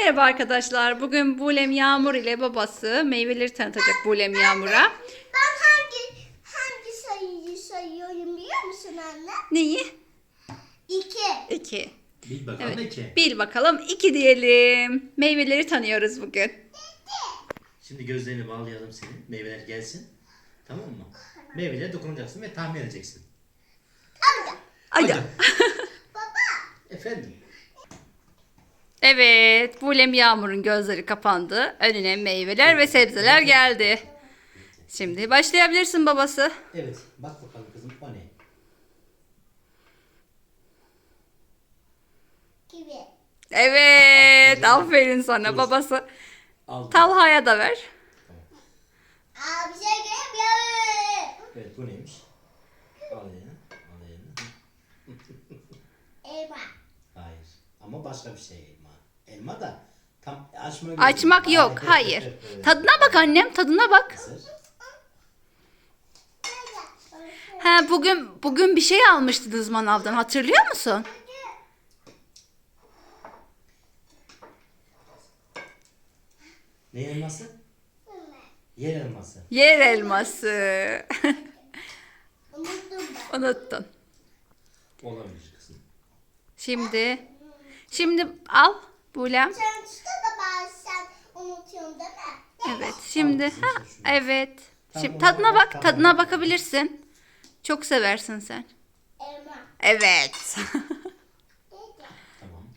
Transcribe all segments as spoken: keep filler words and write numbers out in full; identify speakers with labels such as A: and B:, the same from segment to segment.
A: Merhaba arkadaşlar. Bugün Bulem Yağmur ile babası meyveleri tanıtacak Bulem Yağmur'a.
B: Ben hangi hangi sayıyı sayıyorum biliyor musun anne?
A: Neyi?
B: İki.
A: İki.
C: Bil bakalım
A: Evet.
C: iki.
A: Bil bakalım. İki diyelim. Meyveleri tanıyoruz bugün.
C: Şimdi gözlerini bağlayalım senin. Meyveler gelsin. Tamam mı? Meyvelere dokunacaksın ve tahmin edeceksin.
B: Amca.
A: Hadi.
C: Hadi.
B: Baba.
C: Efendim.
A: Evet. Bulem Yağmur'un gözleri kapandı. Önüne meyveler ve sebzeler geldi. Şimdi başlayabilirsin babası.
C: Evet. Bak bakalım kızım o ne?
B: Gibi.
A: Evet. Aferin sana babası.
C: Aldım.
A: Talha'ya da ver.
B: Aa bir şey göremiyorum.
C: Evet bu neymiş? Al elini. Al elini.
B: Elma.
C: Hayır. Ama başka bir şey elma. Elma da tam açma.
A: Açmak yok. Hayır. Tadına bak annem. Tadına bak.
C: Hazır.
A: Ha, bugün bugün bir şey almıştınız manavdan. Hatırlıyor musun?
C: Ne elması? Yer elması.
A: Yer elması.
B: Unuttum ben.
A: Unuttun.
C: Olabilir kızım.
A: Şimdi şimdi al Bulem.
B: Sen tuta da bazen unutuyorum değil mi?
A: Evet. Şimdi
C: Al kızım,
A: ha,
C: sen şunu.
A: evet.
C: Tamam,
A: Şimdi
C: ona
A: tadına
C: bak,
A: bak.
C: tadına
A: Tadına
C: bak.
A: bakabilirsin. Çok seversin sen.
B: Elma.
A: Evet.
C: Tamam.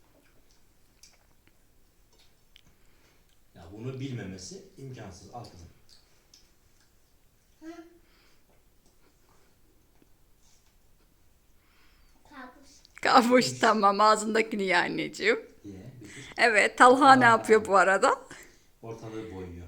C: Ya bunu bilmemesi imkansız. Al kızım.
B: Kabus.
A: Kavuş tamam ağzındakini ye anneciğim.
C: Ye. Bitir.
A: Evet. Talha ne yapıyor bu arada?
C: Ortalığı boyuyor.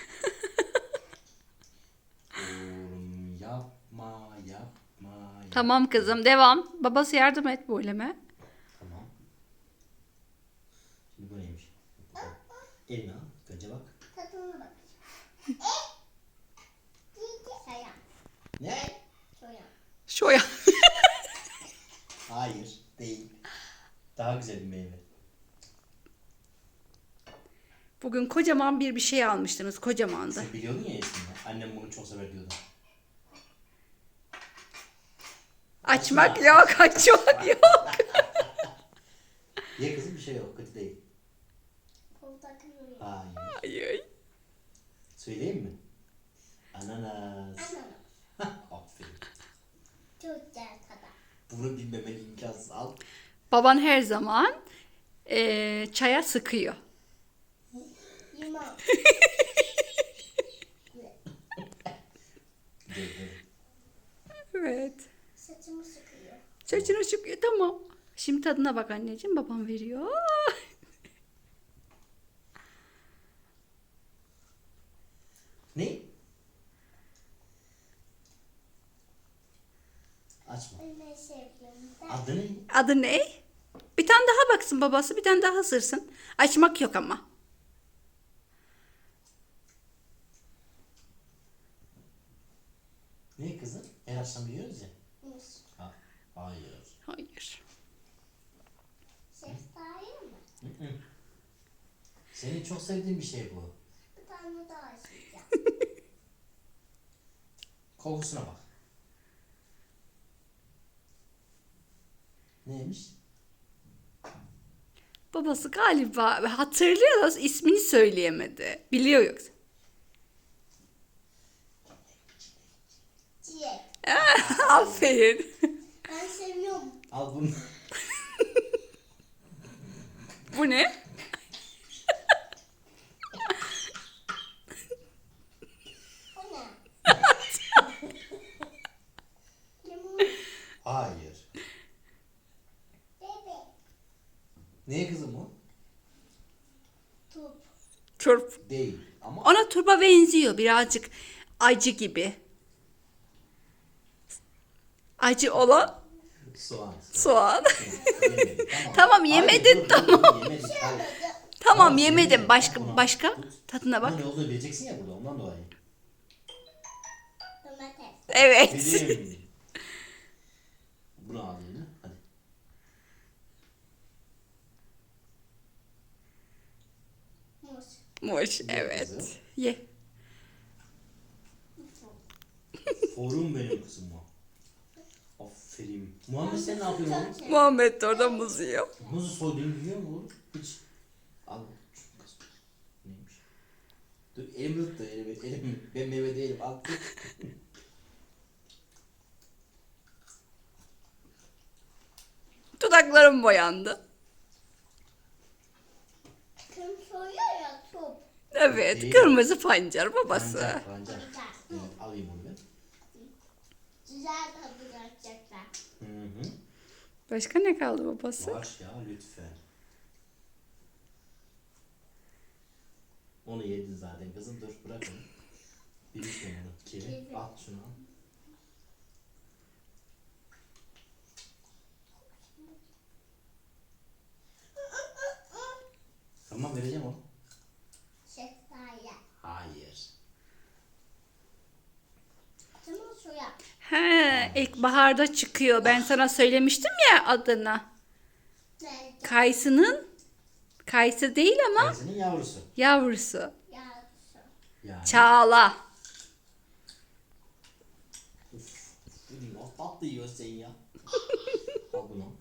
C: Oğlum yapma yapma. yapma.
A: Tamam kızım devam. Babası yardım et Bulem'e.
C: Tamam. Şimdi bu neymiş? Bakalım. Elini al. Önce bak.
B: Tadına bakacağım. Eh. Sayan.
C: Ne?
B: Soyan.
A: Şoya.
C: Hayır. Değil. Daha güzel bir meyve.
A: Bugün kocaman bir bir şey almıştınız. Kocamandı.
C: Sen biliyordun ya eskiden. Annem bunu çok sever diyordu.
A: Açmak yok. Açmak yok.
C: Ye kızım bir şey yok. Kötü değil.
B: Portakal.
C: Hayır.
A: Ay, ay.
C: Söyleyeyim mi? Ananas.
B: Ananas.
C: Aferin.
B: Çok güzel tadı.
C: Bunu bilmemen imkansız. Al.
A: Baban her zaman eee, çaya sıkıyor.
B: Limon.
C: Güzel, güzel.
A: Evet.
B: Saçımı sıkıyor.
A: Saçını sıkıyor. Tamam. Şimdi tadına bak anneciğim. Babam veriyor.
C: Ne? Açma.
B: Ben ne seviyorum? Ben
C: Adı ne?
A: Adı ne? Bir tane daha baksın babası. Bir tane daha ısırsın. Açmak yok ama.
C: Ne kızım? Her akşam yiyoruz ya.
B: muz.
C: Ha, hayır.
A: Hayır.
B: Şeftali mi?
C: Hı hı. Senin çok sevdiğin bir şey bu.
B: Bir tane daha isteyeceğim.
C: Kokusuna bak. Neymiş?
A: Babası galiba hatırlıyor da ismini söyleyemedi. Biliyor yoksa.
B: Çilek.
A: Aferin.
B: Ben seviyorum.
C: Al bunu.
A: Bu ne?
B: O ne? Limon.
C: Hayır.
B: Bebe.
C: Ne kızım o?
B: Turp.
A: Turp.
C: Değil. Ama
A: Ona turpa benziyor birazcık. Acı gibi. Acı olan
C: soğan.
A: soğan.
C: Yemedim. Tamam.
A: Tamam, yemedin,
C: Hayır, dur,
A: tamam.
C: dur, dur, yemedik, hayır.
A: Tamam
C: Tamam,
A: yemedim.
C: yemedim.
A: Başka
C: Buna-
A: başka
C: tut.
A: tadına bak.
C: Bunun ne olduğunu bileceksin ya burada ondan dolayı.
B: Domates.
A: Evet.
C: Dedim. Bunu al eline. Hadi.
A: Muş,
C: Ye
A: evet.
C: kızım.
A: Ye.
C: Forum benim kızım o. Aferin. Muhammed sen ne yapıyorsun oğlum?
A: Muhammed de orada muz yiyor.
C: Muzu soyduğunu biliyor musun oğlum? Hiç. Al. Şu kız. Neymiş? Dur elimi tut da elimi. elimi. Ben meyve değilim. Al tut.
A: Dudaklarım boyandı.
B: Kim soruyor ya top.
A: Evet,
C: Değil.
A: kırmızı pancar babası.
C: Pancar pancar. Evet, alayım onu ben.
B: Güzel tadı gerçekten.
C: Hı hı.
A: Başka ne kaldı babası?
C: Var ya lütfen. Onu yedin zaten kızım, dur bırak onu. Bir lütfen onu. Kiri. Al şunu al. Tamam vereceğim onu.
B: Şeftali.
C: Hayır.
B: Tamam soya.
A: He, ilkbaharda çıkıyor. Ben sana söylemiştim ya adını.
B: Nerede?
A: Kayısının, kayısı değil ama
C: Kayısının yavrusu.
A: yavrusu.
B: Yağlısı.
C: Yani.
A: Çağla.
C: Uf. Benim o tatlı yiyorsun sen ya. Al bunu.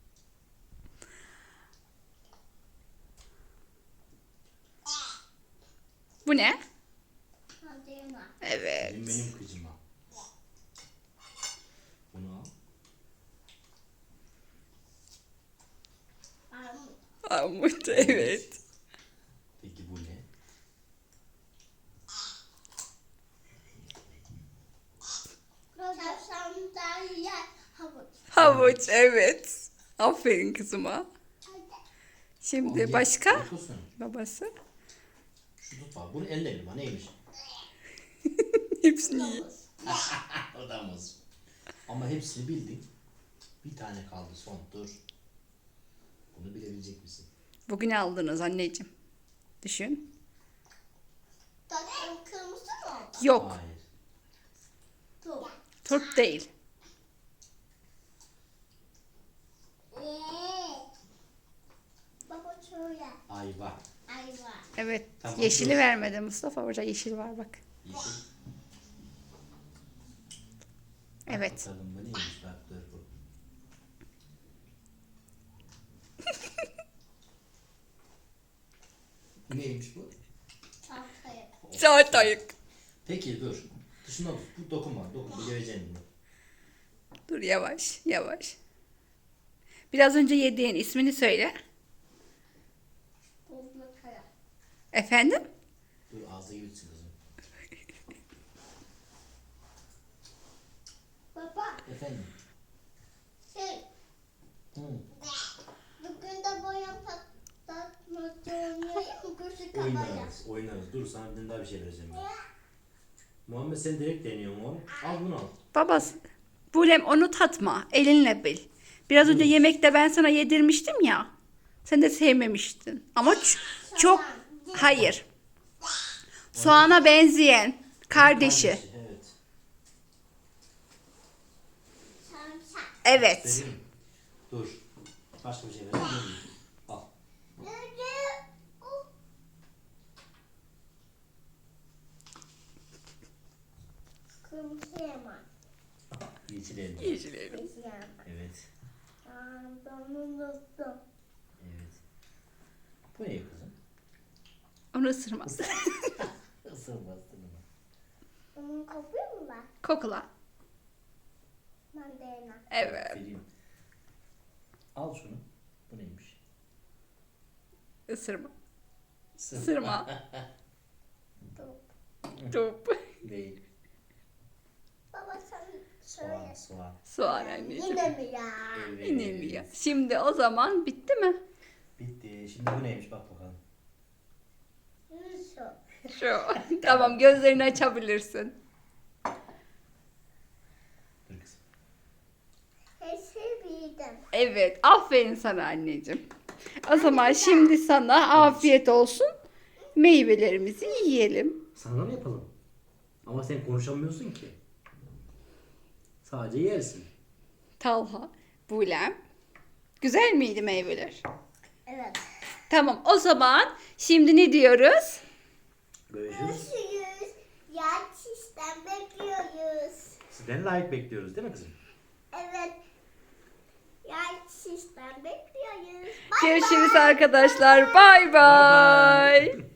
A: Bu ne?
B: Hadi ma.
A: Evet.
C: Benim, benim kızıma. Bunu al.
B: Armut.
A: Armut, evet.
C: Peki bu ne?
B: Sandalye havuç.
A: Havuç, evet. Aferin kızıma.
B: Hadi.
A: Şimdi
C: Al,
A: başka?
C: ye, dokunsun.
A: Babası.
C: Şu tut bak. Bunu elle bir bak neymiş?
A: Hepsini yiyor.
B: Havuz.
C: O da muz. Ama hepsini bildin. Bir tane kaldı son. Dur. Bunu bilebilecek misin?
A: Bugün aldınız anneciğim. Düşün.
B: Tatlım kırmızı mı oldu?
A: Yok.
C: Hayır.
B: Top.
A: Turp değil.
B: Baba şöyle.
C: Ayva.
B: Ayva.
A: Evet.
C: Tamam,
A: Yeşili
C: dur.
A: vermedi Mustafa. Orada yeşil var bak.
C: Yeşil.
A: Evet.
C: Bakalım bu neymiş bak dur bu. Neymiş bu?
B: Tahtaya.
A: Çağatayık.
C: Peki dur. Dışına tut. Bu dokunma. Dokunma. Göreceğim bunu.
A: Dur yavaş yavaş. Biraz önce yediğin ismini söyle.
B: Buzlu kaya.
A: Efendim?
C: Dur ağzı gibi kızım.
B: Baba
C: Efendim.
B: şey
C: Hı.
B: bugün de boyam patlatmaca oynayayım mı? Gözü kapalı.
C: Oynarız. Oynarız. Dur sana bir daha bir şey vereceğim ben. Muhammed sen direkt deniyorsun oğlum. Al bunu al.
A: Babası. Bulem onu tatma. Elinle bil. Biraz önce yemekte ben sana yedirmiştim ya. Sen de sevmemiştin. Ama ç- çok... Hayır. Soğana benzeyen kardeşi.
C: Evet.
B: Sarımsak.
A: Evet.
C: Vereyim. Dur. Başka bir şey vereyim. Al.
B: Nerede? O. Kırmızı yaman.
C: Yeşil elma.
A: Yeşil elma.
B: Kırmızı yaman.
C: Evet.
B: Aa, ben unuttum.
C: Evet. Bu ne kızım?
A: Onu ısırma.
C: Isırma ısırma.
B: Onun kopuyor mu var?
A: Kokla.
B: Mandalina.
A: Evet.
C: Vereyim. Al şunu. Bu neymiş?
A: Isırma. Isırma.
B: Top.
A: Top.
C: Değil.
B: Baba sen
C: Soğan,
B: söyle.
C: soğan.
A: Soğan anneciğim.
B: Yine mi ya?
C: Evet.
A: Yine mi ya? Şimdi o zaman bitti mi?
C: Bitti. Şimdi bu neymiş bak bakalım.
B: Yusuf.
A: Şu. Tamam, gözlerini açabilirsin.
C: Dur kızım.
B: Hepsi bildim.
A: Evet, aferin sana anneciğim. O zaman şimdi sana afiyet olsun. Meyvelerimizi yiyelim.
C: Sana mı yapalım? Ama sen konuşamıyorsun ki. Sadece yersin.
A: Talha, Bulem. Güzel miydi meyveler?
B: Evet.
A: Tamam, o zaman şimdi ne diyoruz?
D: Görüşürüz.
B: Görüşürüz. Yarın sizden bekliyoruz.
D: Sizden like bekliyoruz değil mi kızım?
B: Evet. Yarın sizden bekliyoruz. Bye
A: Görüşürüz
B: bye.
A: arkadaşlar. Bay
D: Bye bye.
A: bay.